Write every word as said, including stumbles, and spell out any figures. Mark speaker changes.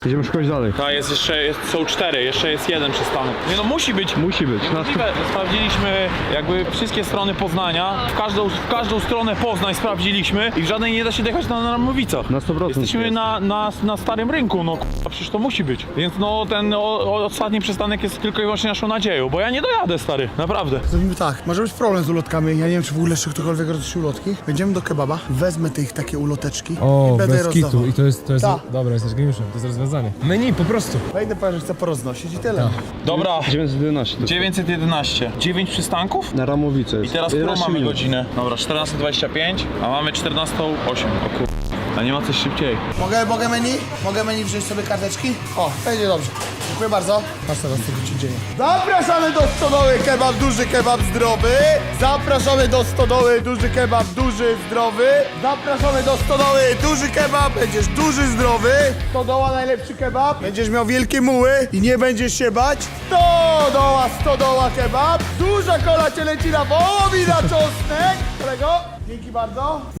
Speaker 1: Idziemy szukać dalej.
Speaker 2: Ta jest jeszcze, jest, są cztery, jeszcze jest jeden przystanek. Nie no, musi być.
Speaker 1: Musi być.
Speaker 2: Niemożliwe. Sprawdziliśmy jakby wszystkie strony Poznania. W każdą, w każdą stronę Poznań sprawdziliśmy i w żadnej nie da się dojechać na Ramowicach.
Speaker 1: Na sto procent
Speaker 2: Jesteśmy
Speaker 1: jest.
Speaker 2: na, na, na starym rynku, no k***a, przecież to musi być. Więc no ten o, o, ostatni przystanek jest tylko i wyłącznie naszą nadzieją, bo ja nie dojadę, stary, naprawdę.
Speaker 3: Zrobimy tak, może być problem z ulotkami, ja nie wiem czy w ogóle jeszcze ktokolwiek roznosi ulotki. Będziemy do kebaba, wezmę te ich takie uloteczki
Speaker 4: O,
Speaker 3: i będę je
Speaker 4: bez kitu.
Speaker 3: rozdawał.
Speaker 4: I to jest, to jest,
Speaker 3: Tak.
Speaker 4: dobra, jesteś geniuszem, to jest rozwiązanie. Menu, po prostu.
Speaker 3: Wejdę, powiem, że chcę poroznosić i tyle.
Speaker 2: Dobra,
Speaker 1: dziewięćset jedenaście. to-
Speaker 2: dziewięćset jedenaście. dziewięć przystanków?
Speaker 1: Na Ramowice
Speaker 2: I
Speaker 1: jest.
Speaker 2: teraz którą
Speaker 1: jedenaście
Speaker 2: mamy
Speaker 1: minut.
Speaker 2: godzinę? Dobra, czternasta dwadzieścia pięć, a mamy czternasta osiem. O kur... A nie ma coś szybciej.
Speaker 3: Mogę, mogę menu? Mogę menu wziąć sobie karteczki? O, będzie dobrze. Dziękuję bardzo. Patrz teraz, co się dzieje. Zapraszamy do stodoły kebab, duży kebab zdrowy. Zapraszamy do stodoły, duży kebab, duży zdrowy. Zapraszamy do stodoły, duży kebab, będziesz duży zdrowy. Stodoła, najlepszy kebab. Będziesz miał wielkie muły i nie będziesz się bać. Stodoła, stodoła kebab. Duża kola cielęcina, wołowina, czosnek. Kolego, dzięki bardzo.